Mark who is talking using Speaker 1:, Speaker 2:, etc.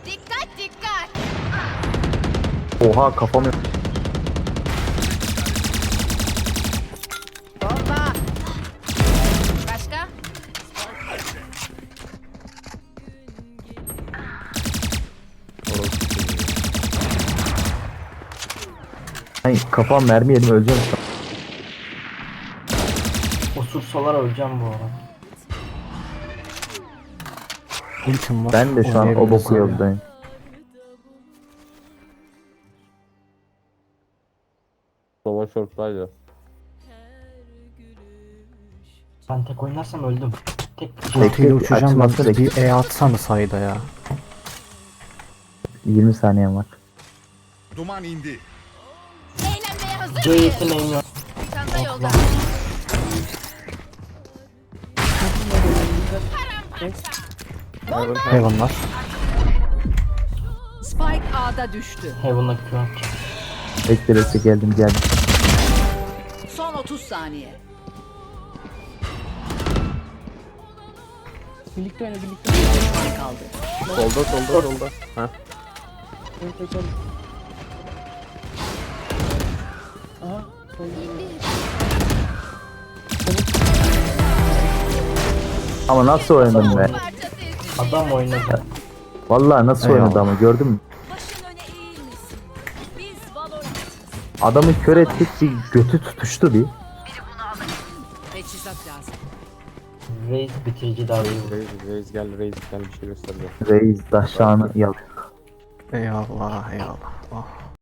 Speaker 1: Dikkat dikkat.
Speaker 2: Oha kafamı.
Speaker 1: Bomba. Başka?
Speaker 2: Ay kafam mermi yedim öleceğim.
Speaker 3: Osursalar öleceğim bu arada.
Speaker 4: Ultim var.
Speaker 2: Ben de şu an o
Speaker 4: Oynayabiliriz
Speaker 2: boku
Speaker 4: abi.
Speaker 2: yoldayım.
Speaker 5: Sova short'taydı.
Speaker 3: Ben tek oynarsam öldüm. Tek
Speaker 4: Ultiyle uçacağım ben.
Speaker 2: açılması
Speaker 4: Bir E atsana sayda ya.
Speaker 2: 20 saniyem var.
Speaker 6: Duman indi.
Speaker 1: Eğlenmeye hazır
Speaker 3: C
Speaker 1: mıyız?
Speaker 3: yeteneğim yok.
Speaker 1: Çanta yolda.
Speaker 4: Heaven var.
Speaker 7: Spike A'da düştü.
Speaker 3: Heaven'a Q atacağım.
Speaker 2: Bekle geldim.
Speaker 7: Son 30 saniye.
Speaker 8: Birlikte oyna birlikte oyna.
Speaker 7: Bir düşman kaldı.
Speaker 5: Solda. Heh.
Speaker 8: Aha.
Speaker 2: Ama nasıl oynadım be?
Speaker 1: Parçası ezildi.
Speaker 3: Adam oynadı.
Speaker 2: Vallahi nasıl
Speaker 4: Eyvallah.
Speaker 2: oynadı ama gördün mü?
Speaker 1: Başın öne eğilmesin. Biz Valorant.
Speaker 2: Adamı kör ettik bir götü tutuştu bir.
Speaker 7: Teçhizat lazım.
Speaker 3: Raze bitirici daha iyi.
Speaker 5: Reis gel bir şey göstereceğim.
Speaker 2: Reis taşağını yalıyor.
Speaker 4: Eyvallah eyvallah. Oh.